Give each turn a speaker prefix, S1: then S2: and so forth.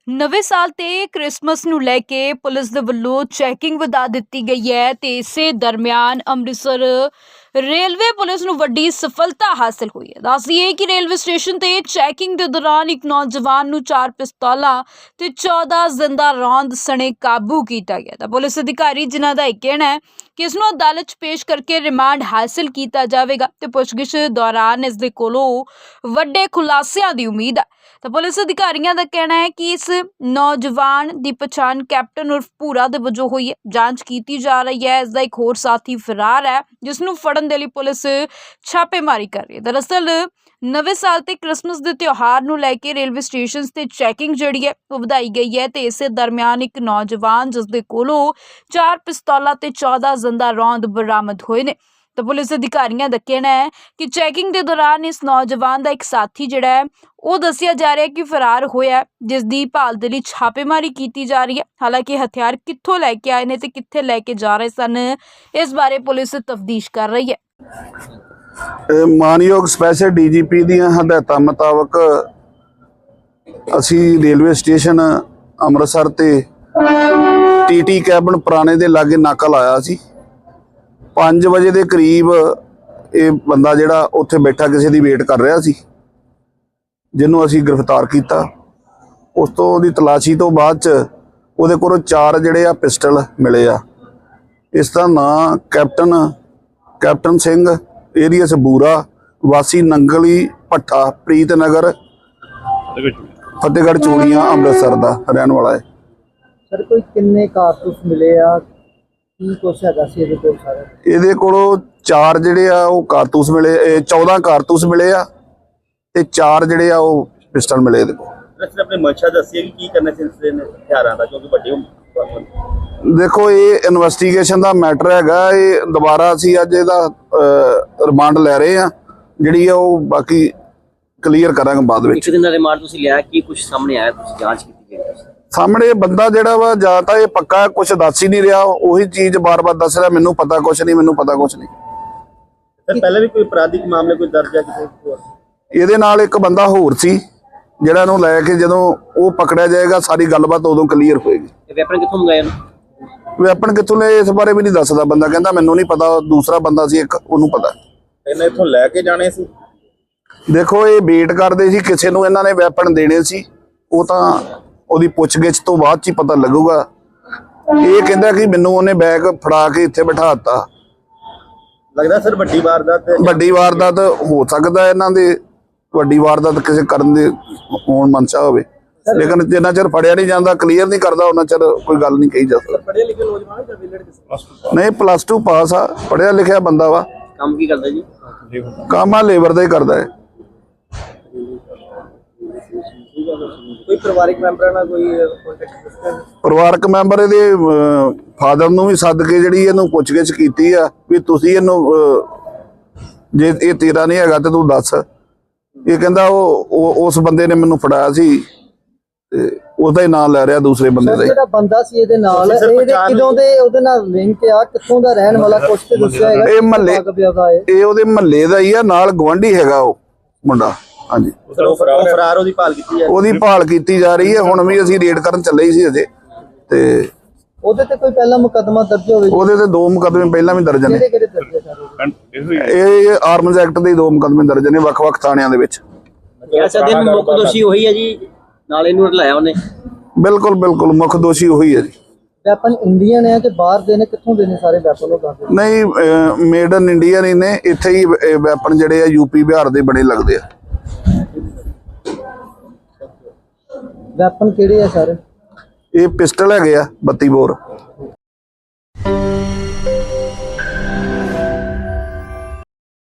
S1: ਨਵੇਂ ਸਾਲ ਤੇ ਕ੍ਰਿਸਮਸ ਨੂੰ ਲੈ ਕੇ ਪੁਲਿਸ ਦੇ ਵੱਲੋਂ ਚੈਕਿੰਗ ਵਧਾ ਦਿੱਤੀ ਗਈ ਹੈ ਤੇ ਇਸੇ ਦਰਮਿਆਨ ਅੰਮ੍ਰਿਤਸਰ ਰੇਲਵੇ ਪੁਲਿਸ ਨੂੰ ਵੱਡੀ ਸਫਲਤਾ ਹਾਸਲ ਹੋਈ ਹੈ। ਦੱਸਦੀਏ ਕਿ ਰੇਲਵੇ ਸਟੇਸ਼ਨ ਤੇ ਚੈਕਿੰਗ ਦੇ ਦੌਰਾਨ ਇੱਕ ਨੌਜਵਾਨ ਨੂੰ 4 ਪਿਸਤੌਲਾਂ ਤੇ 14 ਜ਼ਿੰਦਾ ਰੌਂਦ ਸਣੇ ਕਾਬੂ ਕੀਤਾ ਗਿਆ। ਤਾਂ ਪੁਲਿਸ ਅਧਿਕਾਰੀ ਜਿਨ੍ਹਾਂ ਦਾ ਇਹ ਕਹਿਣਾ ਹੈ ਕਿ ਇਸ ਨੂੰ ਅਦਾਲਤ 'ਚ ਪੇਸ਼ ਕਰਕੇ ਰਿਮਾਂਡ ਹਾਸਲ ਕੀਤਾ ਜਾਵੇਗਾ ਤੇ ਪੁੱਛਗਿੱਛ ਦੌਰਾਨ ਇਸ ਦੇ ਕੋਲੋਂ ਵੱਡੇ ਖੁਲਾਸਿਆਂ ਦੀ ਉਮੀਦ ਹੈ। ਤਾਂ ਪੁਲਿਸ ਅਧਿਕਾਰੀਆਂ ਦਾ ਕਹਿਣਾ ਹੈ ਕਿ ਇਸ ਨੌਜਵਾਨ ਦੀ ਪਛਾਣ ਕੈਪਟਨ ਉਰਫ ਭੂਰਾ ਦੇ ਵਜੋਂ ਹੋਈ ਹੈ। ਜਾਂਚ ਕੀਤੀ ਜਾ ਰਹੀ ਹੈ। ਇਸ ਦਾ ਇੱਕ ਹੋਰ ਸਾਥੀ ਫਰਾਰ ਹੈ ਜਿਸ ਨੂੰ ਫੜਨ ਦੇ ਲਈ ਪੁਲਿਸ ਛਾਪੇਮਾਰੀ ਕਰ ਰਹੀ ਹੈ। ਦਰਅਸਲ ਨਵੇਂ ਸਾਲ ਤੇ ਕ੍ਰਿਸਮਸ ਦੇ ਤਿਉਹਾਰ ਨੂੰ ਲੈ ਕੇ ਰੇਲਵੇ ਸਟੇਸ਼ਨਸ ਤੇ ਚੈਕਿੰਗ ਜਿਹੜੀ ਹੈ ਉਹ ਵਧਾਈ ਗਈ ਹੈ ਤੇ ਇਸੇ ਦਰਮਿਆਨ ਇੱਕ ਨੌਜਵਾਨ ਜਿਸ ਦੇ ਕੋਲੋਂ 4 ਪਿਸਤੌਲਾਂ ਤੇ 14 ਜ਼ਿੰਦਾ ਰੌਂਦ ਬਰਾਮਦ ਹੋਏ ਨੇ। ਤਾਂ ਪੁਲਿਸ ਅਧਿਕਾਰੀਆਂ ਦਾ ਕਹਿਣਾ ਹੈ ਕਿ ਚੈਕਿੰਗ ਦੇ ਦੌਰਾਨ ਇਸ ਨੌਜਵਾਨ ਦਾ ਇੱਕ ਸਾਥੀ ਜਿਹੜਾ ਹੈ ਉਹ ਦੱਸਿਆ ਜਾ ਰਿਹਾ ਹੈ ਕਿ ਫਰਾਰ ਹੋਇਆ, ਜਿਸ ਦੀ ਭਾਲ ਦੇ ਲਈ ਛਾਪੇਮਾਰੀ ਕੀਤੀ ਜਾ ਰਹੀ ਹੈ। ਹਾਲਾਂਕਿ ਹਥਿਆਰ ਕਿੱਥੋਂ ਲੈ ਕੇ ਆਏ ਨੇ ਤੇ ਕਿੱਥੇ ਲੈ ਕੇ ਜਾ ਰਹੇ ਸਨ, ਇਸ ਬਾਰੇ ਪੁਲਿਸ ਤਫਤੀਸ਼ ਕਰ ਰਹੀ ਹੈ।
S2: ਮਾਨਯੋਗ ਸਪੈਸ਼ਲ ਡੀਜੀਪੀ ਦੀਆਂ ਹਦਾਇਤਾਂ ਮੁਤਾਬਕ ਅਸੀਂ ਰੇਲਵੇ ਸਟੇਸ਼ਨ ਅੰਮ੍ਰਿਤਸਰ ਤੇ ਟੀਟੀ ਕੈਬਨ ਪੁਰਾਣੇ ਦੇ ਲਾਗੇ ਨਾਕਾ ਲਾਇਆ ਸੀ। 5 ਵਜੇ ਦੇ ਕਰੀਬ ਇਹ ਬੰਦਾ ਜਿਹੜਾ ਉੱਥੇ ਬੈਠਾ ਕਿਸੇ ਦੀ ਵੇਟ ਕਰ ਰਿਹਾ ਸੀ, ਜਿਹਨੂੰ ਅਸੀਂ ਗ੍ਰਿਫਤਾਰ ਕੀਤਾ। ਉਸ ਤੋਂ ਉਹਦੀ ਤਲਾਸ਼ੀ ਤੋਂ ਬਾਅਦ ਚ ਉਹਦੇ ਕੋਲੋਂ 4 ਜਿਹੜੇ ਆ ਪਿਸਟਲ ਮਿਲੇ ਆ। ਇਸ ਦਾ ਨਾਂ ਕੈਪਟਨ ਸਿੰਘ ਏਰੀਅਸ ਬੂਰਾ ਵਾਸੀ ਨੰਗਲੀ ਭੱਠਾ ਪ੍ਰੀਤ ਨਗਰ ਫਤਿਹਗੜ੍ਹ ਚੂੜੀਆਂ ਅੰਮ੍ਰਿਤਸਰ ਦਾ ਰਹਿਣ ਵਾਲਾ ਹੈ।
S3: ਸਰ ਕੋਈ ਕਿੰਨੇ ਕਾਰਤੂਸ ਮਿਲੇ ਆ, ਕੀ ਕੁਛ ਹੈਗਾ ਸੀ ਇਹਦੇ ਕੋਲ? ਸਾਰਾ
S2: ਇਹਦੇ ਕੋਲੋਂ 4 ਜਿਹੜੇ ਆ ਉਹ ਕਾਰਤੂਸ ਮਿਲੇ, 14 ਕਾਰਤੂਸ ਮਿਲੇ ਆ ਤੇ 4 ਜਿਹੜੇ ਆ ਉਹ ਪਿਸਟਲ ਮਿਲੇ ਇਹਦੇ ਕੋਲ।
S4: ਸਰ ਆਪਣੇ ਮਨਸ਼ਾ ਦੱਸਿਆ ਕਿ ਕੀ ਕਰਨਾ ਸਿਲਸਿਲੇ ਨੇ ਹਥਿਆਰਾਂ ਦਾ, ਕਿਉਂਕਿ ਵੱਡੇ
S2: ਦੇਖੋ ਇਹ ਇਨਵੈਸਟੀਗੇਸ਼ਨ ਦਾ ਮੈਟਰ ਹੈਗਾ। ਇਹ ਦੁਬਾਰਾ ਅਸੀਂ ਅੱਜ ਇਹਦਾ ਰਿਮਾਂਡ ਲੈ ਰਹੇ ਆ, ਜਿਹੜੀ ਆ ਉਹ ਬਾਕੀ ਕਲੀਅਰ ਕਰਾਂਗੇ ਬਾਅਦ ਵਿੱਚ।
S4: ਇੱਕ ਦਿਨ ਦਾ ਰਿਮਾਂਡ ਤੁਸੀਂ ਲਿਆ, ਕੀ ਕੁਝ ਸਾਹਮਣੇ ਆਇਆ, ਤੁਸੀਂ ਜਾਂਚ ਕੀਤੀ ਗਈ?
S2: ਸਾਹਮਣੇ ਬੰਦਾ ਜਿਹੜਾ ਵਾ ਜਾਂ ਤਾਂ ਇਹ ਪੱਕਾ ਕੁਝ ਦੱਸ ਹੀ ਨਹੀਂ ਰਿਹਾ, ਉਹੀ ਚੀਜ਼ ਬਾਰ-ਬਾਰ ਦੱਸ ਰਿਹਾ, ਮੈਨੂੰ ਪਤਾ ਕੁਝ ਨਹੀਂ, ਮੈਨੂੰ ਪਤਾ ਕੁਝ ਨਹੀਂ।
S4: ਸਰ ਪਹਿਲਾਂ ਵੀ ਕੋਈ ਅਪਰਾਧਿਕ ਮਾਮਲੇ ਕੋਈ ਦਰਜ ਹੈ ਕਿਸੇ?
S2: ਇਹਦੇ ਨਾਲ ਇੱਕ ਬੰਦਾ ਹੋਰ ਸੀ ਜਿਹੜਾ ਇਹਨੂੰ ਲੈ ਕੇ ਜਦੋਂ ਉਹ ਪਕੜਿਆ ਜਾਏਗਾ ਸਾਰੀ ਗੱਲਬਾਤ ਉਦੋਂ ਕਲੀਅਰ ਹੋਏਗੀ।
S4: ਇਹ ਵੈਪਨ ਕਿੱਥੋਂ ਮੰਗਾਇਆ ਉਹਨੂੰ?
S2: ਵੈਪਨ ਕਿੱਥੋਂ ਲਏ ਇਸ ਬਾਰੇ ਵੀ ਨਹੀਂ ਦੱਸਦਾ ਬੰਦਾ, ਕਹਿੰਦਾ ਮੈਨੂੰ ਨਹੀਂ ਪਤਾ, ਦੂਸਰਾ ਬੰਦਾ ਸੀ ਇੱਕ, ਉਹਨੂੰ ਪਤਾ।
S4: ਇਹਨੇ ਇੱਥੋਂ ਲੈ ਕੇ ਜਾਣੇ ਸੀ?
S2: ਦੇਖੋ ਇਹ ਵੇਟ ਕਰਦੇ ਸੀ ਕਿਸੇ ਨੂੰ ਇਹਨਾਂ ਨੇ ਵੈਪਨ ਦੇਣੇ ਸੀ, ਉਹ ਤਾਂ ਉਹਦੀ ਪੁੱਛਗਿੱਛ ਤੋਂ ਬਾਅਦ ਚ ਹੀ ਪਤਾ ਲੱਗੂਗਾ। ਇਹ ਕਹਿੰਦਾ ਕਿ ਮੈਨੂੰ ਉਹਨੇ ਬੈਗ ਫੜਾ ਕੇ ਇੱਥੇ ਬਿਠਾ ਦਿੱਤਾ।
S4: ਲੱਗਦਾ ਸਰ ਵੱਡੀ ਵਾਰਦਾਤ
S2: ਹੋ ਸਕਦਾ, ਇਹਨਾਂ ਦੇ ਵੱਡੀ ਵਾਰਦਾਤ ਕਿਸੇ ਕਰਨ ਦੇ ਹੋਣ ਮਨਸ਼ਾ ਹੋਵੇ, ਲੇਕਿਨ ਜਿੰਨਾ ਚਿਰ ਫੜਿਆ ਨਹੀਂ ਜਾਂਦਾ, ਕਲੀਅਰ ਨਹੀਂ ਕਰਦਾ, ਉਹਨਾਂ ਚਿਰ ਕੋਈ ਗੱਲ ਨਹੀਂ ਕਹੀ ਜਾ ਸਕਦੀ।
S4: ਪੜ੍ਹੇ ਲਿਖੇ ਨੌਜਵਾਨ ਜਾਂ ਵਿਲੜ
S2: ਨਹੀਂ +2 ਪਾਸ ਆ, ਪੜ੍ਹਿਆ ਲਿਖਿਆ ਬੰਦਾ ਵਾ।
S4: ਕੰਮ ਕੀ ਕਰਦਾ ਜੀ?
S2: ਕੰਮ ਆ ਲੇਬਰ ਦਾ ਹੀ ਕਰਦਾ ਹੈ।
S4: ਕੋਈ ਪਰਿਵਾਰਿਕ ਮੈਂਬਰਾਂ ਨਾਲ ਕੋਈ ਕੰਟੈਕਟ?
S2: ਪਰਿਵਾਰਕ ਮੈਂਬਰ ਇਹਦੇ ਫਾਦਰ ਨੂੰ ਵੀ ਸੱਦ ਕੇ ਜਿਹੜੀ ਇਹਨੂੰ ਪੁੱਛਗਿੱਛ ਕੀਤੀ ਆ ਵੀ ਤੁਸੀਂ ਇਹਨੂੰ ਜੇ ਇਹ ਤੇਰਾ ਨਹੀਂ ਹੈਗਾ ਤੇ ਤੂੰ ਦੱਸ। ਇਹ ਕਹਿੰਦਾ ਉਹ ਉਸ ਬੰਦੇ ਨੇ ਮੈਨੂੰ ਫੜਾਇਆ ਸੀ ਤੇ ਉਹਦਾ ਹੀ ਨਾਮ ਲੈ ਰਿਹਾ ਦੂਸਰੇ ਬੰਦੇ ਦਾ।
S3: ਜਿਹੜਾ ਬੰਦਾ ਸੀ ਇਹਦੇ ਨਾਲ, ਇਹਦੇ ਕਿਦੋਂ ਦੇ ਉਹਦੇ ਨਾਲ ਲਿੰਕ ਆ, ਕਿੱਥੋਂ ਦਾ ਰਹਿਣ ਵਾਲਾ, ਕੁਛ ਤੇ ਦੱਸਿਆ ਹੈਗਾ?
S2: ਇਹ ਮਹੱਲੇ, ਇਹ ਉਹਦੇ ਮਹੱਲੇ ਦਾ ਹੀ ਆ, ਨਾਲ ਗਵਾਂਢੀ ਹੈਗਾ ਉਹ ਮੁੰਡਾ। ਹਾਂਜੀ,
S4: ਫਰਾਰ ਉਹਦੀ ਭਾਲ ਕੀਤੀ ਹੈ?
S2: ਉਹਦੀ ਭਾਲ ਕੀਤੀ ਜਾ ਰਹੀ ਹੈ। ਹੁਣ ਵੀ ਅਸੀਂ ਰੇਡ ਕਰਨ ਚੱਲੇ ਸੀ ਅਜੇ, ਤੇ
S3: ਉਹਦੇ ਤੇ ਕੋਈ ਪਹਿਲਾ ਮੁਕੱਦਮਾ ਦਰਜ ਹੋਵੇ?
S2: ਉਹਦੇ ਤੇ 2 ਮੁਕੱਦਮੇ ਪਹਿਲਾਂ ਵੀ ਦਰਜ ਨੇ।
S3: ਕਿਹੜੇ ਦਰਜ ਸਰ?
S2: ਇਹ ਆਰਮਜ਼ ਐਕਟ ਦੇ 2 ਮੁਕੱਦਮੇ ਦਰਜ ਨੇ ਵੱਖ-ਵੱਖ ਥਾਣਿਆਂ ਦੇ ਵਿੱਚ।
S4: ਦੇ ਮੁੱਖ ਦੋਸ਼ੀ ਉਹੀ ਹੈ ਜੀ, ਨਾਲ ਇਹਨੂੰ ਲਾਇਆ ਉਹਨੇ?
S2: ਬਿਲਕੁਲ ਮੁੱਖ ਦੋਸ਼ੀ ਉਹੀ ਹੈ ਜੀ।
S3: ਵੈਪਨ ਇੰਡੀਅਨ ਹੈ ਕਿ ਬਾਹਰ ਦੇ ਨੇ, ਕਿੱਥੋਂ ਦੇ ਨੇ ਸਾਰੇ ਵੈਪਨ? ਉਹ
S2: ਨਹੀਂ, ਮੇਡ ਇਨ ਇੰਡੀਆ ਨਹੀਂ ਨੇ, ਇੱਥੇ ਹੀ ਵੈਪਨ ਜਿਹੜੇ ਆ ਯੂਪੀ ਬਿਹਾਰ ਦੇ ਬਣੇ ਲੱਗਦੇ ਆ।
S3: ਵੈਪਨ ਕਿਹੜੇ ਆ ਸਰ?
S2: ਇਹ ਪਿਸਟਲ ਹੈਗੇ ਆ 32 ਬੋਰ।